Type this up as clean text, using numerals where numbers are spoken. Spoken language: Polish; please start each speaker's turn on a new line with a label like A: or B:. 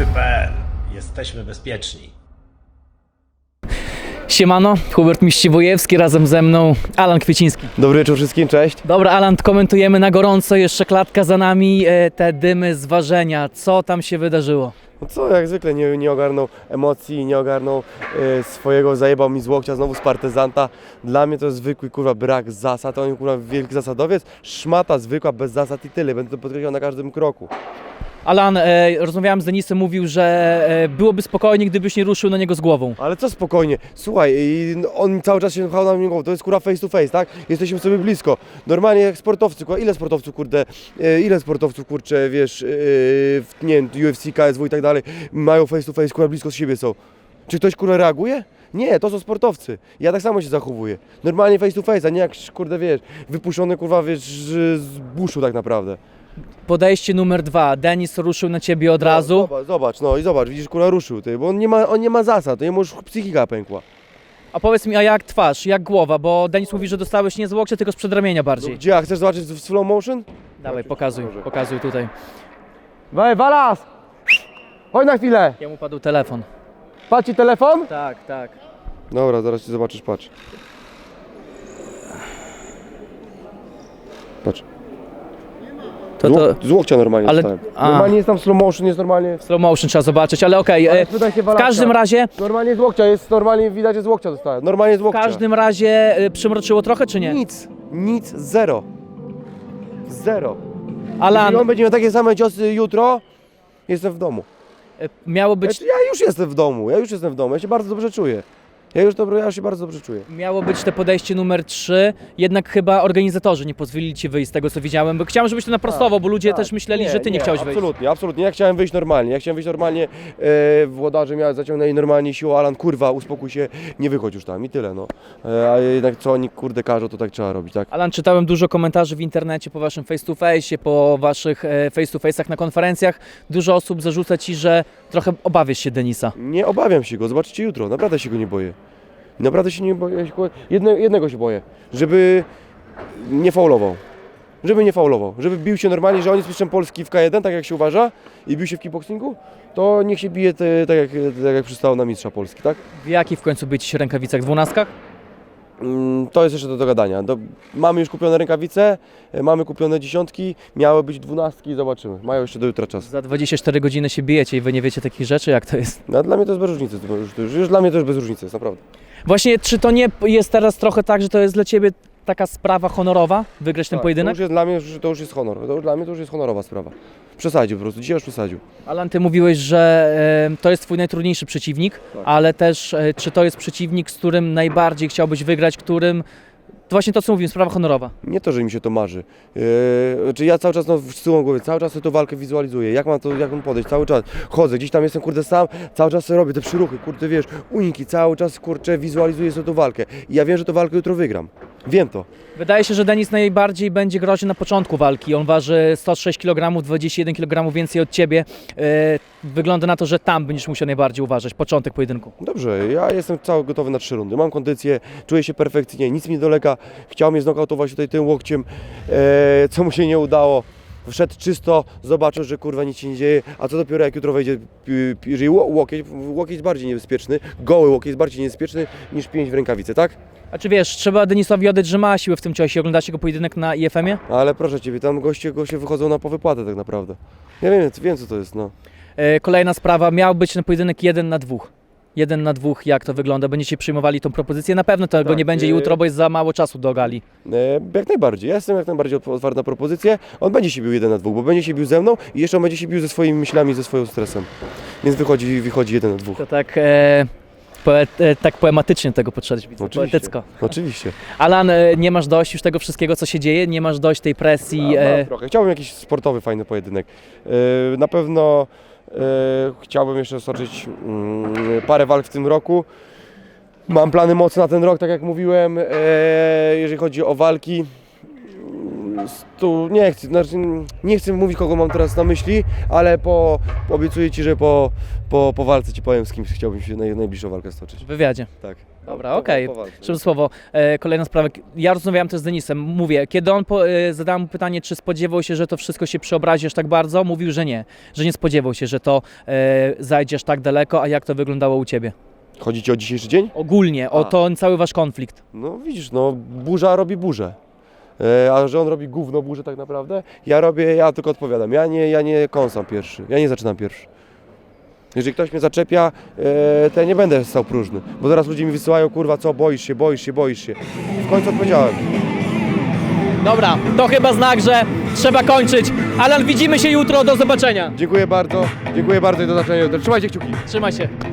A: Strefy.pl. Jesteśmy bezpieczni.
B: Siemano, Hubert Miściwojewski, razem ze mną Alan Kwieciński.
C: Dobry wieczór wszystkim, cześć.
B: Dobra, Alan, komentujemy na gorąco, jeszcze klatka za nami, te dymy z ważenia. Co tam się wydarzyło?
C: No co, jak zwykle nie ogarnął emocji, nie ogarnął swojego, zajebał mi z łokcia znowu z partyzanta. Dla mnie to jest zwykły kurwa brak zasad, on kurwa wielki zasadowiec, szmata zwykła, bez zasad i tyle, będę to podkreślał na każdym kroku.
B: Alan, rozmawiałem z Denisem, mówił, że byłoby spokojnie, gdybyś nie ruszył na niego z głową.
C: Ale co spokojnie, słuchaj, on cały czas się pchał na mnie głową, to jest kurwa face to face, tak? Jesteśmy sobie blisko. Normalnie jak sportowcy, kurwa, ile sportowców kurczę, wiesz, nie wiem, UFC, KSW i tak dalej, mają face to face, kurwa, blisko z siebie są. Czy ktoś kurwa reaguje? Nie, to są sportowcy. Ja tak samo się zachowuję. Normalnie face to face, a nie jak, kurde, wiesz, wypuszczony kurwa, wiesz, z buszu tak naprawdę.
B: Podejście numer 2. Denis ruszył na ciebie od razu.
C: Zobacz, widzisz, kurwa, ruszył, ty, bo on nie ma zasad, to jemu już psychika pękła.
B: A powiedz mi, a jak twarz, jak głowa? Bo Denis mówi, że dostałeś nie z łokcia, tylko z przedramienia bardziej.
C: Gdzie, a chcesz zobaczyć w slow motion?
B: Dawaj, pokazuj tutaj.
C: Walas! Chodź na chwilę!
B: Jemu padł telefon.
C: Patrz ci telefon?
B: Tak.
C: Dobra, zaraz ci zobaczysz, patrz. Patrz. Z łokcia normalnie
B: Ale-
C: dostałem.
B: a.
C: Normalnie jest tam slow motion, jest normalnie...
B: Slow motion trzeba zobaczyć, ale okej.
C: Ale spytaj się
B: W
C: Walaska.
B: każdym razie,
C: Normalnie z łokcia, jest normalnie widać, że z łokcia dostałem. Normalnie z
B: w
C: łokcia.
B: każdym razie przymroczyło trochę, czy nie?
C: Nic, zero.
B: Alan,
C: Jeśli on będzie miał takie same ciosy jutro, jestem w domu.
B: miało być,
C: Ja już jestem w domu, ja się bardzo dobrze czuję. Ja się bardzo dobrze czuję.
B: miało być te podejście numer 3, jednak chyba organizatorzy nie pozwolili ci wyjść z tego, co widziałem, bo chciałem, żebyś to naprostował, bo ludzie też myśleli, że ty nie chciałeś wyjść.
C: Absolutnie. Ja chciałem wyjść normalnie. Włodarze miałem zaciągnęli normalnie siłą, Alan, kurwa, uspokój się, nie wychodź już tam i tyle, no. A jednak co oni, kurde, każą, to tak trzeba robić, tak?
B: Alan, czytałem dużo komentarzy w internecie po waszym face to face, po waszych face to face'ach na konferencjach. Dużo osób zarzuca ci, że trochę obawiasz się Denisa.
C: Nie obawiam się go, zobaczycie jutro, naprawdę się go nie boję. Naprawdę się nie boję, jednego się boję, żeby nie faulował. Żeby bił się normalnie, że on jest mistrzem Polski w K1, tak jak się uważa, i bił się w kickboxingu, to niech się bije tak jak przystało na mistrza Polski, tak?
B: W jakich w końcu być rękawicach? 12?
C: To jest jeszcze do dogadania. Mamy już kupione rękawice, mamy kupione 10, miały być 12, zobaczymy. Mają jeszcze do jutra czas.
B: Za 24 godziny się bijecie i wy nie wiecie takich rzeczy, jak to jest?
C: No, dla mnie to jest bez różnicy, już dla mnie to jest bez różnicy, jest naprawdę.
B: Właśnie, czy to nie jest teraz trochę tak, że to jest dla ciebie taka sprawa honorowa, wygrać ten pojedynek?
C: Dla mnie to już jest honor, dla mnie to już jest honorowa sprawa. Przesadził po prostu, dzisiaj już przesadził.
B: Alan, ty mówiłeś, że to jest twój najtrudniejszy przeciwnik,
C: Tak.
B: ale też czy to jest przeciwnik, z którym najbardziej chciałbyś wygrać, którym... To właśnie to, co mówiłem, sprawa honorowa.
C: Nie to, że mi się to marzy. Czy ja cały czas z tyłu głowy, cały czas sobie tę walkę wizualizuję, jak mam podejść, cały czas chodzę, gdzieś tam jestem, kurde, sam, cały czas sobie robię te przyruchy, kurde, wiesz, uniki, cały czas, kurczę, wizualizuję sobie tę walkę. I ja wiem, że tę walkę jutro wygram. Wiem to.
B: Wydaje się, że Denis najbardziej będzie groźny na początku walki. On waży 106 kg, 21 kg więcej od ciebie. Wygląda na to, że tam będziesz musiał najbardziej uważać, początek pojedynku.
C: Dobrze, ja jestem cały gotowy na 3 rundy, mam kondycję, czuję się perfekcyjnie, nic mi nie dolega. Chciał mnie znokautować tutaj tym łokciem, co mu się nie udało. Wszedł czysto, zobaczył, że kurwa nic się nie dzieje, a co dopiero jak jutro wejdzie, jeżeli łokieć jest bardziej niebezpieczny, goły łokieć jest bardziej niebezpieczny niż pięść w rękawicy, tak?
B: A czy wiesz, trzeba Denisowi oddać, że ma siłę w tym ciosie. Oglądacie go pojedynek na IFM-ie?
C: Ale proszę Ciebie, tam goście wychodzą na powypłatę tak naprawdę. Ja wiem co to jest, no.
B: Kolejna sprawa, miał być ten pojedynek 1 na 2. 1 na 2, jak to wygląda? Będziecie przyjmowali tą propozycję? Na pewno tego
C: Tak,
B: nie będzie jutro, bo jest za mało czasu do gali.
C: Jak najbardziej, ja jestem jak najbardziej otwarty na propozycję. On będzie się bił 1 na 2, bo będzie się bił ze mną i jeszcze on będzie się bił ze swoimi myślami, ze swoim stresem. Więc wychodzi 1 na 2.
B: To tak, tak poematycznie do tego podszedłeś, widzę, poetycko.
C: Oczywiście.
B: Alan, nie masz dość już tego wszystkiego, co się dzieje? Nie masz dość tej presji?
C: Mam trochę. Chciałbym jakiś sportowy, fajny pojedynek. Na pewno chciałbym jeszcze stoczyć parę walk w tym roku. Mam plany mocne na ten rok, tak jak mówiłem. Jeżeli chodzi o walki, tu nie chcę mówić, kogo mam teraz na myśli, ale obiecuję Ci, że po walce Ci powiem, z kim chciałbym się najbliższą walkę stoczyć.
B: W wywiadzie.
C: Tak.
B: Dobra, okej.
C: Powalczy.
B: Szybkie słowo. Kolejna sprawa. Ja rozmawiałem też z Denisem. Mówię, kiedy on zadałem mu pytanie, czy spodziewał się, że to wszystko się przeobrazi aż tak bardzo, mówił, że nie spodziewał się, że to zajdziesz tak daleko, a jak to wyglądało u Ciebie?
C: Chodzi ci o dzisiejszy dzień?
B: Ogólnie, o ten cały Wasz konflikt.
C: No widzisz, no burza robi burzę. A że on robi gówno burzę tak naprawdę, ja tylko odpowiadam. Ja nie kąsam pierwszy, ja nie zaczynam pierwszy. Jeżeli ktoś mnie zaczepia, to ja nie będę stał próżny. Bo zaraz ludzie mi wysyłają, kurwa, co, boisz się. W końcu odpowiedziałem.
B: Dobra, to chyba znak, że trzeba kończyć. Alan, widzimy się jutro, do zobaczenia.
C: Dziękuję bardzo i do zobaczenia. Trzymajcie kciuki.
B: Trzymaj się.